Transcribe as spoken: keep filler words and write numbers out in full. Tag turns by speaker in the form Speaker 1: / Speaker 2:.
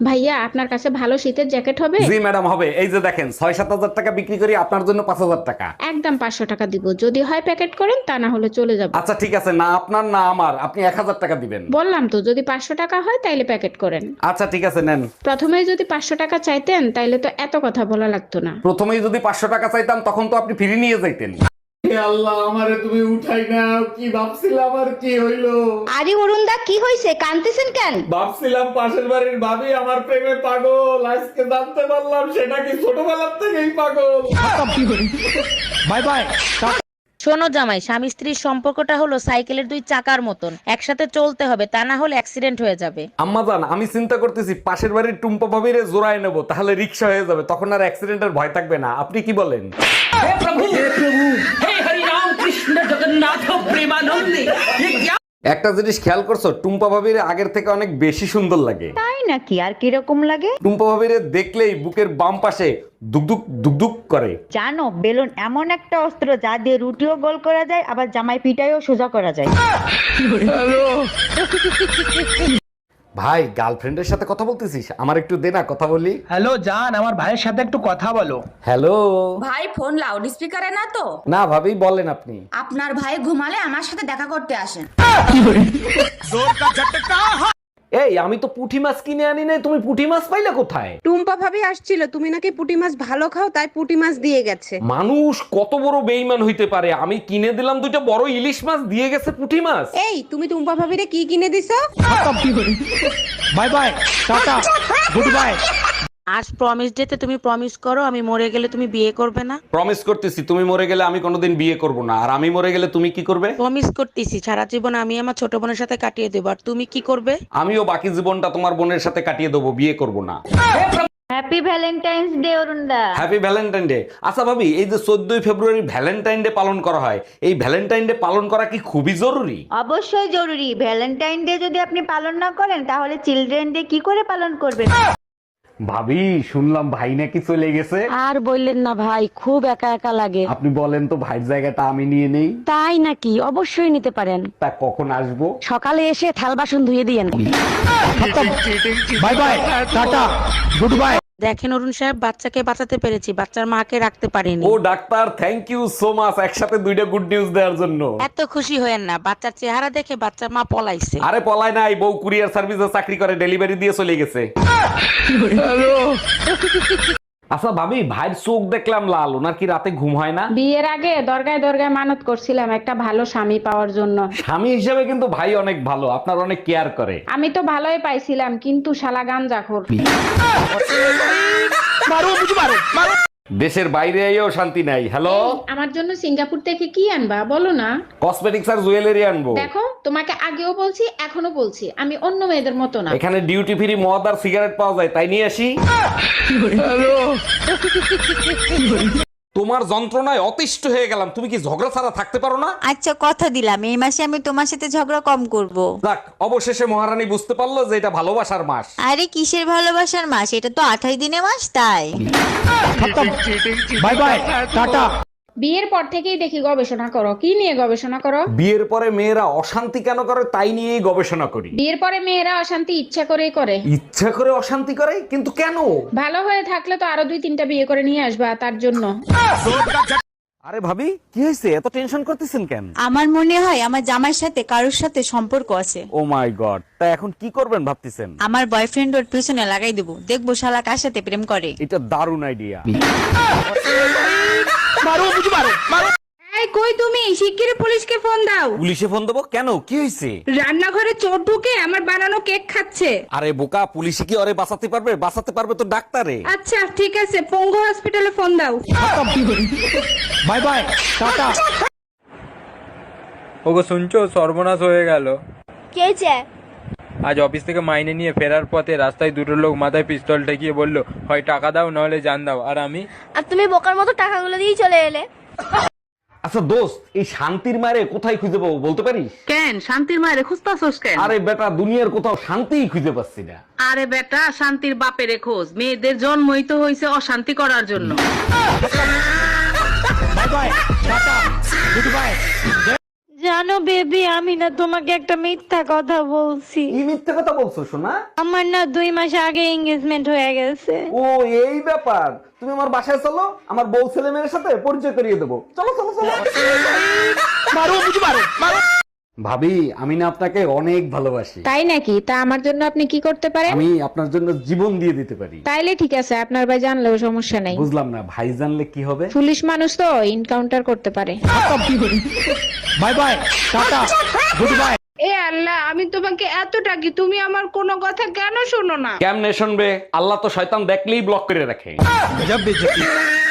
Speaker 1: ভাইয়া আপনার কাছে ভালো শীতের জ্যাকেট হবে?
Speaker 2: জি ম্যাডাম হবে। এই যে দেখেন ছয় সাত হাজার টাকা বিক্রি করি, আপনার জন্য পাঁচ হাজার টাকা।
Speaker 1: একদম পাঁচশো টাকা দিব, যদি হয় প্যাকেট করেন, তা না হলে চলে যাব।
Speaker 2: আচ্ছা ঠিক আছে, না আপনার না আমার, আপনি এক হাজার টাকা দিবেন।
Speaker 1: বললাম তো যদি পাঁচশো টাকা হয় তাইলে প্যাকেট করেন।
Speaker 2: আচ্ছা ঠিক আছে নেন।
Speaker 1: প্রথমে যদি পাঁচশো টাকা চাইতেন তাইলে তো এত কথা বলা লাগতো না।
Speaker 2: প্রথমেই যদি পাঁচশো টাকা চাইতাম তখন তো আপনি ফিরে নিয়ে যাইতেন। হে আল্লাহ, আমারে তুমি উঠাই না, কি ভাবছিলাম আর কি হইলো।
Speaker 3: আরে অরুণ দা, কি হয়েছে? কাঁদতেছেন কেন?
Speaker 2: ভাবছিলাম পাশের বাড়ির ভাবি আমার প্রেমে পাগল, আজকে জানতে পারলাম সেটা কি ছোটবেলার থেকেই পাগল।
Speaker 4: Bye bye.
Speaker 5: শোনো জামাই, স্বামী স্ত্রীর সম্পর্কটা হলো সাইকেলের দুই চাকার মতন, একসাথে চলতে হবে, তা না হলে অ্যাক্সিডেন্ট হয়ে যাবে।
Speaker 2: আম্মাজান, আমি চিন্তা করতেছি পাশের বাড়ির টুম্পা ভাবিরে জোড়ায় নেবো, তাহলে রিক্সা হয়ে যাবে, তখন আর অ্যাক্সিডেন্টের ভয় থাকবে না। আপনি কি বলেন? একটা জিনিস খেয়াল করছো, টুম্পা ভাবির আগের থেকে অনেক বেশি সুন্দর লাগে।
Speaker 3: তাই নাকি? আর কিরকম লাগে?
Speaker 2: টুম্পা ভাবিরে দেখলেই বুকের বাম পাশে দুকদুক দুকদুক করে।
Speaker 3: জানো, বেলুন এমন একটা অস্ত্র যা দিয়ে রুটিও গোল করা যায়, আবার জামাই পিটাইও সোজা করা যায়।
Speaker 2: ভাই, গার্লফ্রেন্ডের সাথে কথা বলতেছিস? আমার একটু দে না, কথা বলি।
Speaker 4: হ্যালো জান, আমার ভাইয়ের সাথে একটু কথা বলো।
Speaker 2: হ্যালো।
Speaker 6: ভাই ফোন লাউড স্পিকারে না তো?
Speaker 2: না ভাবি, বলেন আপনি।
Speaker 6: আপনার ভাই ঘুমালে আমার সাথে দেখা করতে আসেন।
Speaker 2: এই, আমি তো পুঁটি মাছ কিনে আনি নাই, তুমি পুঁটি মাছ পাইলে কোথায়?
Speaker 7: টুম্পা ভাবি আসছিল, তুমি নাকি পুঁটি মাছ ভালো খাও, তাই পুঁটি মাছ দিয়ে গেছে।
Speaker 2: মানুষ কত বড় বেইমান হইতে পারে, আমি কিনে দিলাম দুইটা বড় ইলিশ মাছ, দিয়ে গেছে পুঁটি মাছ।
Speaker 7: এই, তুমি টুম্পা ভাবিরে কি কিনে দিছো?
Speaker 4: Bye bye, tata, good bye.
Speaker 5: আজ প্রমিস ডেতে তুমি প্রমিস করো আমি মরে গেলে তুমি বিয়ে করবে না।
Speaker 2: প্রমিস করতেছি, তুমি মরে গেলে আমি কোনোদিন বিয়ে করব না। আর আমি মরে গেলে তুমি কি করবে?
Speaker 5: প্রমিস করতেছি সারা জীবন আমি আমার ছোট বোনের সাথে কাটিয়ে দেবো, আর তুমি কি করবে?
Speaker 2: আমিও বাকি জীবনটা তোমার বোনের সাথে কাটিয়ে দেবো, বিয়ে করব না।
Speaker 3: হ্যাপি ভ্যালেন্টাইন্স ডে অরুণ দা।
Speaker 2: Happy valentine day. আচ্ছা ভাবি, এই যে চোদ্দই ফেব্রুয়ারি ভ্যালেন্টাইন ডে পালন করা হয়, এই ভ্যালেন্টাইন ডে পালন করা কি খুবই জরুরি?
Speaker 3: অবশ্যই জরুরি। ভ্যালেন্টাইন ডে যদি আপনি পালন না করেন তাহলে চিলড্রেন ডে কি করে পালন করবেন?
Speaker 2: ভাবি, শুনলাম ভাই নাকি চলে গেছে।
Speaker 5: আর বললেন না ভাই, খুব একা একা লাগে।
Speaker 2: আপনি বলেন তো ভাইয়ের জায়গাটা আমি নিয়ে নেই।
Speaker 5: তাই নাকি? অবশ্যই নিতে পারেন।
Speaker 2: তা কখন আসবো?
Speaker 5: সকালে এসে থাল বাসন ধুয়ে দিয়েন।
Speaker 4: Bye bye, tata, good bye.
Speaker 5: দেখেন অরুণ সাহেব, বাচ্চাকে বাঁচাতে পেরেছি, বাচ্চার মাকে রাখতে পারিনি।
Speaker 2: ও doctor, thank you so much, একসাথে দুইটা গুড নিউজ দেওয়ার জন্য।
Speaker 5: এত খুশি হয়েন না, বাচ্চার চেহারা দেখে বাচ্চার মা পলাইছে।
Speaker 2: আরে পলায় নাই, বউ কুরিয়ার সার্ভিসে চাকরি করে, ডেলিভারি দিয়ে চলে গেছে। আচ্ছা ভাবি, ভাইয়ের চোখ দেখলাম লাল, ওনার কি রাতে ঘুম হয় না?
Speaker 1: বিয়ের আগে দরগায় দরগায় মানত করছিলাম একটা ভালো স্বামী পাওয়ার জন্য।
Speaker 2: স্বামী হিসেবে কিন্তু ভাই অনেক ভালো, আপনার অনেক কেয়ার করে।
Speaker 1: আমি তো ভালোই পাইছিলাম, কিন্তু শালা গাঞ্জাখোর।
Speaker 2: দেশের বাইরে এও শান্তি নাই। হ্যালো,
Speaker 1: আমার জন্য সিঙ্গাপুর থেকে কি আনবা বলো না?
Speaker 2: কসমেটিক্স আর জুয়েলারি আনবো।
Speaker 1: দেখো, তোমাকে আগেও বলছি এখনো বলছি, আমি অন্য মেয়েদের মতো না।
Speaker 2: এখানে ডিউটি ফ্রি মদ আর সিগারেট পাওয়া যায়, তাই নিয়ে আসি। তোমার যন্ত্রণায় অতিষ্ঠ হয়ে গেলাম, তুমি কি ঝগড়া ছাড়া থাকতে পারো না?
Speaker 3: আচ্ছা, কথা দিলাম এই মাসে আমি তোমার সাথে ঝগড়া কম করব।
Speaker 2: যাক, অবশেষে মহারানী বুঝতে পারলো যে এটা ভালোবাসার মাস।
Speaker 3: আরে কিসের ভালোবাসার মাস? এটা তো আঠাশ দিনের মাস, তাই।
Speaker 4: Bye bye, tata.
Speaker 1: বিয়ের পর থেকেই দেখি গবেষণা করো। কি নিয়ে গবেষণা করো?
Speaker 2: বিয়ের পরে মেয়েরা অশান্তি কেন করে তাই নিয়েই গবেষণা করি।
Speaker 1: বিয়ের পরে মেয়েরা অশান্তি ইচ্ছা করেই করে।
Speaker 2: ইচ্ছা করে অশান্তি করে, কিন্তু কেন?
Speaker 1: ভালো হয়ে থাকলে তো আরো দুই তিনটা বিয়ে করে নিয়ে আসবা, তার জন্য।
Speaker 2: আরে ভাবি, কি হয়েছে, এত টেনশন করতেছেন কেন?
Speaker 3: আমার মনে হয় আমার জামাইয়ের সাথে কারোর সাথে সম্পর্ক আছে।
Speaker 2: ও মাই গড, তা এখন কি করবেন ভাবতেছেন?
Speaker 3: আমার বয়ফ্রেন্ড ওর পিছনে লাগাই দেবো, দেখবো শালা কার সাথে প্রেম করে।
Speaker 2: এটা দারুণ আইডিয়া।
Speaker 7: এই কই তুমি? শিগগিরই পুলিশকে ফোন দাও।
Speaker 2: পুলিশে ফোন দেবো কেন? কি হয়েছে?
Speaker 7: রান্নাঘরে চোর ঢুকে আমার বানানো কেক খাচ্ছে।
Speaker 2: আরে বোকা, পুলিশে কি ওরে বাঁচাতে পারবে? বাঁচাতে পারবে তো ডাক্তারে।
Speaker 7: আচ্ছা ঠিক আছে, পঙ্গু হসপিটালে ফোন দাও।
Speaker 4: Bye bye, tata.
Speaker 8: ওগো শুনছো, সর্বনাশ হয়ে গেল।
Speaker 3: কে যে?
Speaker 8: আজ অফিস থেকে মাইনে নিয়ে ফেরার পথে রাস্তায় দুটো লোক মাথায় পিস্তল ঠেকিয়ে বলল, হয় টাকা দাও নাহলে জান দাও। আর আমি,
Speaker 3: আর তুমি বোকার মতো টাকাগুলো দিয়ে চলে এলে।
Speaker 2: আচ্ছা দোস্ত, এই শান্তির মারে কোথায় খুঁজে পাবো বলতে পারিস?
Speaker 7: কেন শান্তির মায়ের খুঁজতাছস কেন?
Speaker 2: আরে বেটা, দুনিয়ার কোথাও শান্তিই খুঁজে পাচ্ছি না।
Speaker 7: আরে বেটা, শান্তির বাপেরে খোঁজ। মেয়েদের জন্মই তো হয়েছে অশান্তি করার জন্য।
Speaker 4: Bye bye, tata, good bye.
Speaker 3: জানো বেবি, আমি না তোমাকে একটা মিথ্যা কথা বলছি।
Speaker 2: কি মিথ্যে কথা বলছো সোনা?
Speaker 3: আমার না দুই মাস আগে এঙ্গেজমেন্ট হয়ে গেছে।
Speaker 2: ও এই ব্যাপার, তুমি আমার বাসায় চলো, আমার বউ ছেলে মেয়ের সাথে পরিচয় করিয়ে দেবো। চলো চলো চলো।
Speaker 4: मारो मुझे मारो मारो
Speaker 2: ভাবি, আমি না আপনাকে অনেক ভালোবাসি।
Speaker 1: তাই নাকি? তা আমার জন্য আপনি কি করতে পারেন?
Speaker 2: আমি আপনার জন্য জীবন দিয়ে দিতে পারি।
Speaker 1: তাইলে ঠিক আছে, আপনার ভাই জানলেও সমস্যা নাই।
Speaker 2: বুঝলাম না, ভাই জানলে কি হবে?
Speaker 1: পুলিশ মানুষ তো এনকাউন্টার করতে পারে।
Speaker 4: Bye bye tata good bye.
Speaker 7: এ আল্লাহ, আমি তোমাকে এত ডাকি, তুমি আমার কোনো কথা কেন শোনো না?
Speaker 2: কেমনে শুনবে? আল্লাহ তো শয়তান দেখলেই ব্লক করে রাখে।
Speaker 4: गजब बेइज्जती।